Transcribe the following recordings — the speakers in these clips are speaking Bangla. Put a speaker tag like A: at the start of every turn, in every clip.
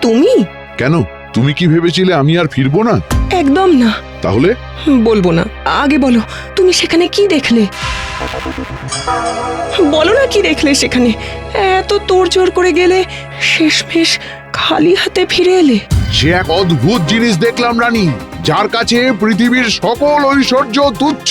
A: তুমি?
B: কেন, তুমি কি ভেবেছিলে আমি আর ফিরবো না?
A: একদম না।
B: তাহলে?
A: বলবো না, আগে বলো তুমি সেখানে কি দেখলে? বলো না কি দেখলে সেখানে? এত তোড়জোড় করে গেলে, শেষমেশ খালি হাতে ফিরে এলে।
B: সে এক অদ্ভুত জিনিস দেখলাম রানী, যার কাছে পৃথিবীর সকল ঐশ্বর্য তুচ্ছ।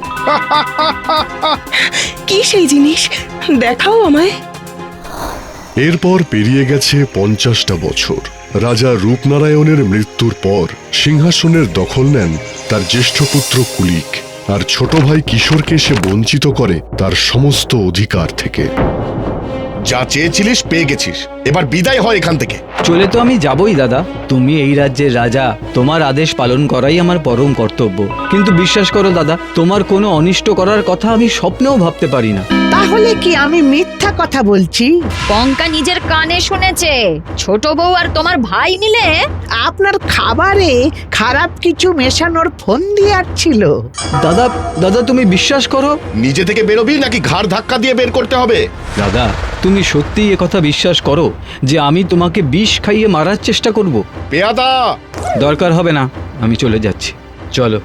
A: কি সেই জিনিস? দেখাও আমায়।
C: এরপর পেরিয়ে গেছে 50টা বছর। রাজা রূপনারায়ণের মৃত্যুর পর সিংহাসনের দখল নেন তার জ্যেষ্ঠ পুত্র কুলিক, আর ছোট ভাই কিশোরকে সে বঞ্চিত করে তার সমস্ত অধিকার থেকে।
D: যা চেয়েছিলিস পেয়ে গেছিস, এবার বিদায় হয় এখান থেকে।
E: চলে তো আমি যাবই দাদা, তুমি এই রাজ্যের রাজা, তোমার আদেশ পালন করাই আমার পরম কর্তব্য। কিন্তু বিশ্বাস করো দাদা, তোমার কোনো অনিষ্ট করার কথা আমি স্বপ্নেও ভাবতে পারি না।
F: তাহলে কি আমি মিথ্যা কথা বলছি?
G: পঙ্কা নিজের কানে শুনেছে ছোট বউ আর তোমার ভাই মিলে
F: আপনার খাবারে খারাপ কিছু মেশানোর ফন্দি আসছিল।
E: দাদা দাদা তুমি বিশ্বাস করো।
D: নিজে থেকে বেরোবি নাকি ঘাড় ধাক্কা দিয়ে বের করতে হবে?
E: দাদা তুমি সত্যিই একথা বিশ্বাস করো যে আমি তোমাকে বিষ খাইয়ে মারার চেষ্টা করব?
D: পেয়াদা!
E: দরকার হবে না, আমি চলে যাচ্ছি, চলো।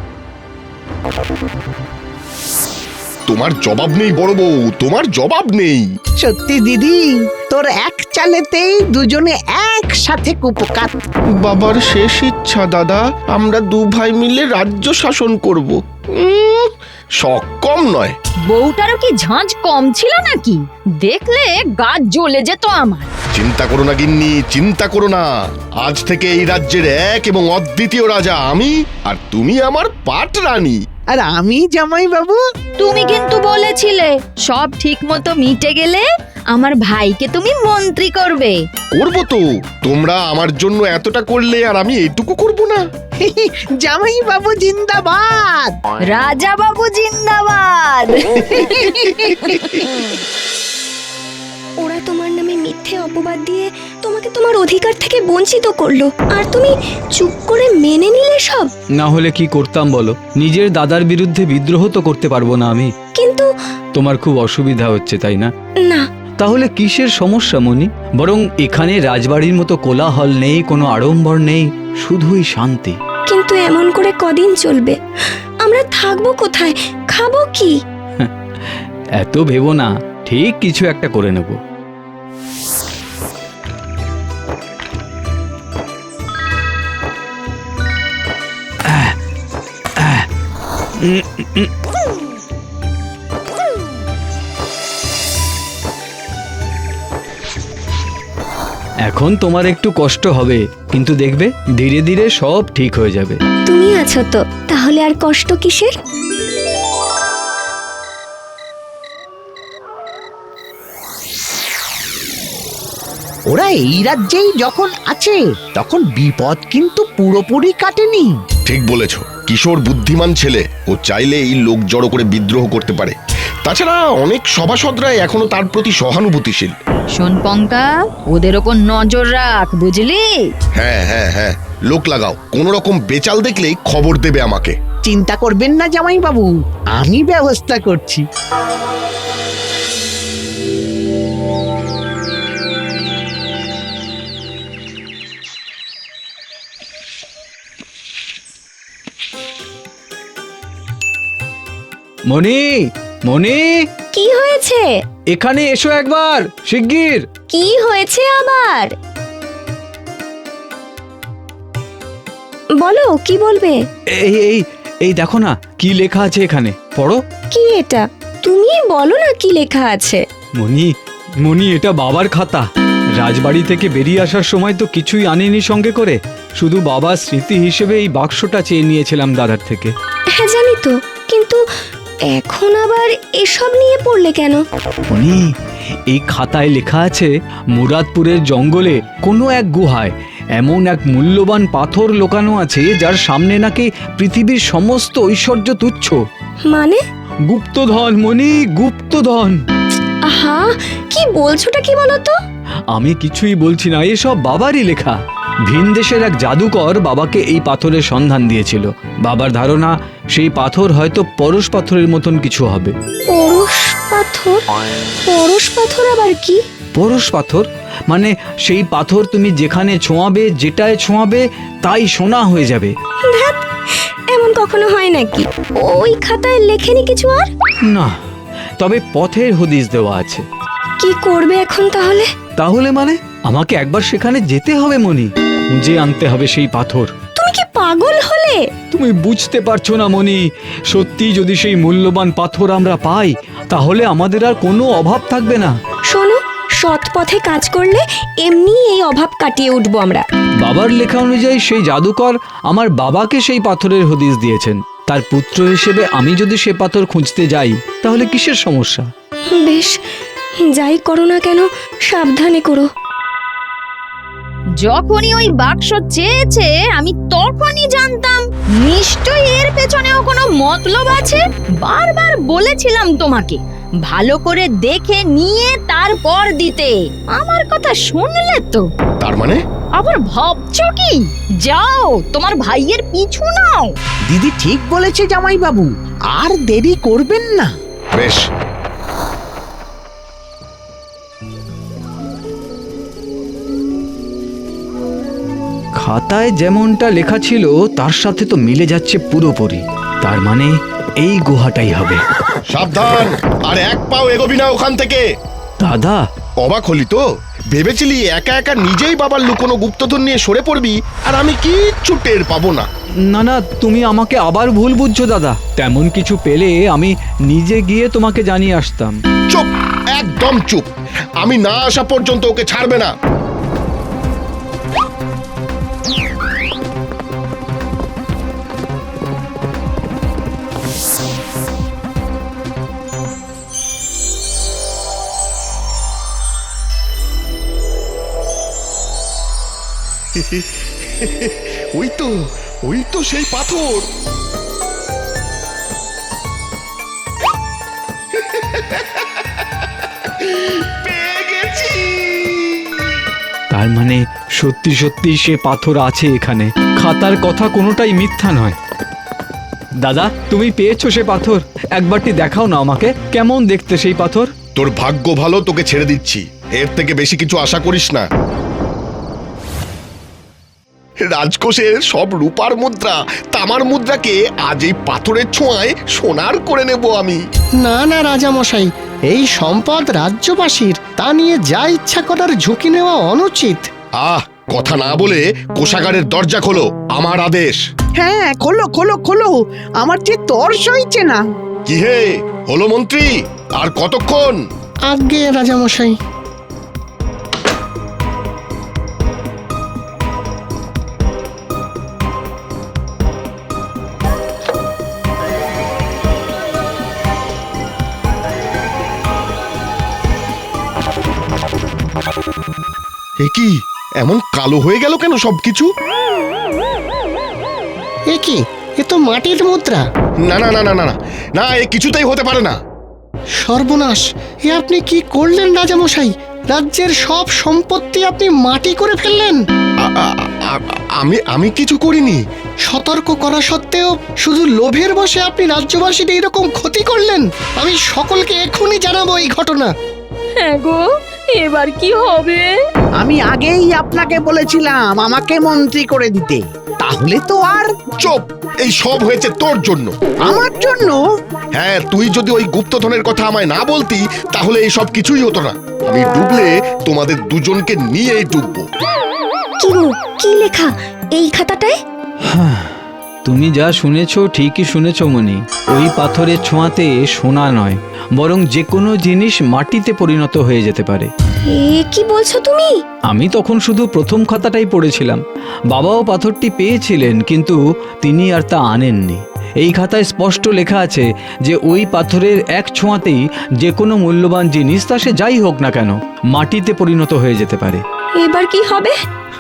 D: তোমার জবাব নেই বড় বউ, তোমার জবাব নেই।
F: সত্যি দিদি, তোর এক চালেতেই দুজনে একসাথে কুপকাত।
H: বাবার শেষ ইচ্ছা দাদা, আমরা দু ভাই মিলে রাজ্য শাসন করব।
D: শখ কম নয়।
G: বউটারও কি ঝাঁঝ কম ছিল নাকি? দেখলে গা জ্বলে যেত আমার।
D: চিন্তা করো না গিন্নি, চিন্তা করো না। আজ থেকে এই রাজ্যের এক এবং অদ্বিতীয় রাজা আমি, আর তুমি আমার পাট রানী।
F: আর আমি জামাই বাবু।
G: তুমি কিন্তু বলেছিলে সব ঠিক মতো মিটে গেলে আমার ভাইকে তুমি মন্ত্রী করবে।
D: করবো তো, তোমরা আমার জন্য এতটা করলে আর আমি এইটুকু করব না?
F: জামাই বাবু জিন্দাবাদ।
G: রাজা বাবু জিন্দাবাদ।
I: ওরা তোমার নামে মিথ্যে অপবাদ দিয়ে তোমাকে তোমার অধিকার থেকে বঞ্চিত করলো, আর তুমি চুপ করে মেনে নিলে সব।
E: না হলে কি করতাম বলো? নিজের দাদার বিরুদ্ধে বিদ্রোহ তো করতে পারবো না আমি।
I: কিন্তু
E: তোমার খুব অসুবিধা হচ্ছে তাই না?
I: না।
E: তাহলে কিসের সমস্যা মনি? বরং এখানে রাজবাড়ির মতো কোলাহল নেই, কোনো আড়ম্বর নেই, শুধুই শান্তি।
I: কিন্তু এমন করে কদিন চলবে? আমরা থাকবো কোথায়, খাবো কি?
E: এত ভেবো না, ঠিক কিছু একটা করে নেব। এখন তোমার একটু কষ্ট হবে, কিন্তু দেখবে ধীরে ধীরে সব ঠিক হয়ে যাবে।
I: তুমি আছো তো, তাহলে আর কষ্ট কিসের?
F: ওরা এই রাজ্যেই যখন আছে, তখন বিপদ কিন্তু পুরোপুরি কাটেনি।
D: ঠিক বলেছ, কিশোর বুদ্ধিমান ছেলে, ও চাইলে এই লোক জড়ো করে বিদ্রোহ করতে পারে। তাছাড়া অনেক সভাসদরাই এখনো তার প্রতি সহানুভূতিশীল।
G: শোন পঙ্কা, ওদের ওপর নজর রাখ, বুঝলি?
D: হ্যাঁ হ্যাঁ হ্যাঁ, লোক লাগাও, কোন রকম বেচাল দেখলেই খবর দেবে আমাকে।
F: চিন্তা করবেন না জামাই বাবু, আমি ব্যবস্থা করছি।
E: মনি, মনি,
I: কি হয়েছে?
E: এখানে এসো একবার, শিগগির।
I: কি হয়েছে আবার? বলো, কি বলবে?
E: এই এই এই দেখো না, কি লেখা আছে এখানে, পড়ো।
I: কি এটা? তুমি বলো না কি লেখা আছে।
E: মনি, মনি, এটা বাবার খাতা। রাজবাড়ি থেকে বেরিয়ে আসার সময় তো কিছুই আনিনি সঙ্গে করে, শুধু বাবার স্মৃতি হিসেবে এই বাক্সটা চেয়ে নিয়েছিলাম দাদার থেকে।
I: হ্যাঁ জানি তো, কিন্তু এখন আবার এসব নিয়ে পড়লে কেন?
E: মনি, এই খাতায় লেখা আছে মুরাদপুরের জঙ্গলে কোনো এক গুহায় এমন এক মূল্যবান পাথর লুকানো আছে, যার সামনে নাকি পৃথিবীর সমস্ত ঐশ্বর্য তুচ্ছ।
I: মানে?
E: গুপ্তধন মনি, গুপ্তধন।
I: আহা, কি বলছোটা কি বলো তো?
E: আমি কিছুই বলছি না, এসব বাবারই লেখা। ভিনদেশের এক জাদুকর বাবাকে এই পাথরের সন্ধান দিয়েছিল। বাবার ধারণা সেই পাথর হয়তো পরশ পাথরের মতন কিছু হবে।
I: পরশ পাথর? পরশ পাথর আবার কি?
E: পরশ পাথর? মানে সেই পাথর তুমি যেখানে ছোঁয়াবে, যেটায় ছোঁয়াবে তাই সোনা হয়ে যাবে?
I: ধ্যাৎ, এমন কখনো হয় নাকি? ওই খাতায় লেখেনি কিছু আর?
E: না, তবে পথের হদিশ দেওয়া আছে।
I: কি করবে এখন তাহলে?
E: তাহলে মানে আমাকে একবার সেখানে যেতে হবে মণি, খুঁজে আনতে হবে সেই পাথর।
I: তুমি কি পাগল হলে?
E: তুমি বুঝতে পারছো না মণি, সত্যি যদি সেই মূল্যবান পাথর আমরা পাই তাহলে আমাদের আর কোনো অভাব থাকবে না।
I: শোনো, সৎ পথে কাজ করলে এমনি এই অভাব কাটিয়ে উঠবো আমরা।
E: বাবার লেখা অনুযায়ী সেই জাদুকর আমার বাবাকে সেই পাথরের হদিশ দিয়েছেন। তার পুত্র হিসেবে আমি যদি সে পাথর খুঁজতে যাই তাহলে কিসের সমস্যা?
I: বেশ, যাই করো না কেন সাবধানে করো।
G: যখনই ওই বাক্স চেয়েছে আমি তখনই জানতাম নিশ্চয়ই এর পেছনেও কোনো মতলব আছে। বারবার বলেছিলাম তোমাকে ভালো করে দেখে নিয়ে তারপর দিতে। আমার কথা শুনলে তো?
D: তার মানে
G: আবার ভাবছো কি? যাও তোমার ভাইয়ের পিছু নাও।
F: দিদি ঠিক বলেছে জামাইবাবু, আর দেরি করবেন না।
D: বেশ,
E: খাতায় যেমনটা লেখা ছিল তার সাথে তো মিলে যাচ্ছে পুরোপুরি। তার মানে এই গুহাটাই হবে।
D: সাবধান, আর এক পাও এগোবি না ওখান থেকে।
E: দাদা,
D: অবাক হলি তো? ভেবেছিলি একা একা নিজেই বাবার লুকোনো গুপ্তধন নিয়ে সরে পড়বি আর আমি কিচ্ছু টের পাবো না।
E: না না, তুমি আমাকে আবার ভুল বুঝছো দাদা। তেমন কিছু পেলে আমি নিজে গিয়ে তোমাকে জানিয়ে আসতাম।
D: চুপ, একদম চুপ। আমি না আসা পর্যন্ত ওকে ছাড়বে না। ওই তো সেই পাথর। পেয়ে গেছি।
E: তার মানে সত্যি সত্যি সে পাথর আছে এখানে। খাতার কথা কোনোটাই মিথ্যা নয়। দাদা, তুমি পেয়েছো সে পাথর? একবারটি দেখাও না আমাকে, কেমন দেখতে সেই পাথর?
D: তোর ভাগ্য ভালো, তোকে ছেড়ে দিচ্ছি। এর থেকে বেশি কিছু আশা করিস না। রাজকোষের সব রূপার মুদ্রা, তামার মুদ্রাকে আজ এই পাথরের ছোঁয়ায় সোনার করে নেব আমি।
H: না না রাজামশাই, এই সম্পদ রাজ্যবাসীর, তা নিয়ে যা ইচ্ছা করার ঝুঁকি নেওয়া অনুচিত।
D: কথা না বলে কোষাগারের দরজা খোলো, আমার আদেশ।
F: হ্যাঁ, খোলো খোলো খোলো, আমার যে তর সইছে না।
D: কি হে হলো মন্ত্রী, আর কতক্ষণ?
H: আজ্ঞে রাজামশাই।
D: এ কি, এমন কালো হয়ে গেল কেন সবকিছু?
H: এ কি, এ তো মাটির মুদ্রা।
D: না না না না না না, এ কিছুতেই হতে পারে না।
H: সর্বনাশ, এ আপনি কি করলেন রাজামশাই? রাজ্যের সব সম্পত্তি আপনি মাটি করে ফেললেন।
D: আমি কিছু করিনি।
H: সতর্ক করা সত্ত্বেও শুধু লোভের বশে আপনি রাজ্যবাসীর এইরকম ক্ষতি করলেন। আমি সকলকে এক্ষুনি জানাবো এই ঘটনা।
G: হ্যাঁ গো, এবার কি হবে?
F: আমি আগেই আপনাকে বলেছিলাম আমাকে মন্ত্রী করে দিতে, তাহলে তো আর।
D: চুপ, এই সব হয়েছে তোর জন্য।
F: আমার জন্য?
D: হ্যাঁ, তুই যদি ওই গুপ্তধনের কথা আমায় না বলতি তাহলে এই সব কিছুই হতো না। আমি ডুবলে তোমাদের দুজনকে নিয়েই ডুববো।
I: কি গো, কি লেখা এই খাতাটায়?
E: তুমি যা শুনেছো ঠিকই শুনেছো মনি। ওই পাথরের ছোঁয়াতে সোনা নয়, বরং যে কোনো জিনিস মাটিতে পরিণত হয়ে যেতে পারে।
I: এ কি বলছো তুমি?
E: আমি তখন শুধু প্রথম খাতাটাই পড়েছিলাম। বাবাও পাথরটি পেয়েছিলেন, কিন্তু তিনি আর তা আনেননি। এই খাতায় স্পষ্ট লেখা আছে যে ওই পাথরের এক ছোঁয়াতেই যে কোনো মূল্যবান জিনিস, তা সে যাই হোক না কেন, মাটিতে পরিণত হয়ে যেতে পারে।
I: এবার কি হবে?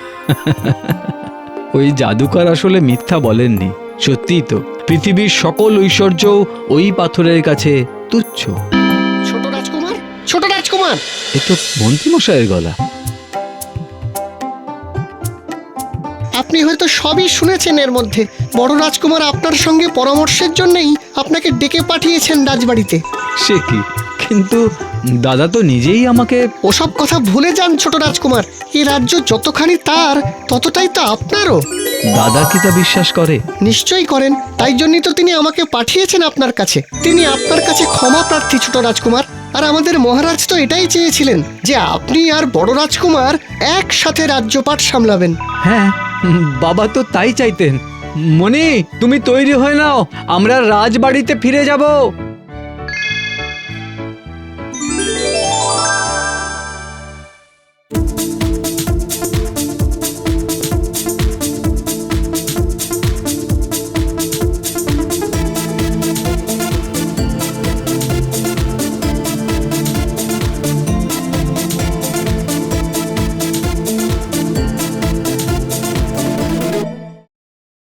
E: ওই জাদুকর আসলে মিথ্যা বলেননি। সত্যিই তো, পৃথিবীর সকল ঐশ্বর্য ওই পাথরের কাছে তুচ্ছ।
H: ছোট রাজকুমার, ছোট রাজকুমার।
E: এ তো মন্ত্রীমশাইয়ের গলা।
H: আপনি হয়তো সবই শুনেছেন। এর মধ্যে বড় রাজকুমার আপনার সঙ্গে পরামর্শের জন্যই আপনাকে ডেকে পাঠিয়েছেন রাজবাড়িতে।
E: সে কি, কিন্তু দাদা তো নিজেই আমাকে
H: ওসব কথা ভুলে যান ছোট রাজকুমার, এই রাজ্য যতখানি তার ততটাই তো আপনারও।
E: দাদা কি তা বিশ্বাস করে?
H: নিশ্চয়ই করেন, তাই জন্যই তো তিনি আমাকে পাঠিয়েছেন আপনার কাছে। তিনি আপনার কাছে ক্ষমা প্রার্থী ছোট রাজকুমার। আর আমাদের মহারাজ তো এটাই চেয়েছিলেন যে আপনি আর বড় রাজকুমার একসাথে রাজ্যপাট সামলাবেন।
E: হ্যাঁ, বাবা তো তাই চাইতেন। মনি, তুমি তৈরি হয়ে নাও, আমরা রাজবাড়িতে ফিরে যাব।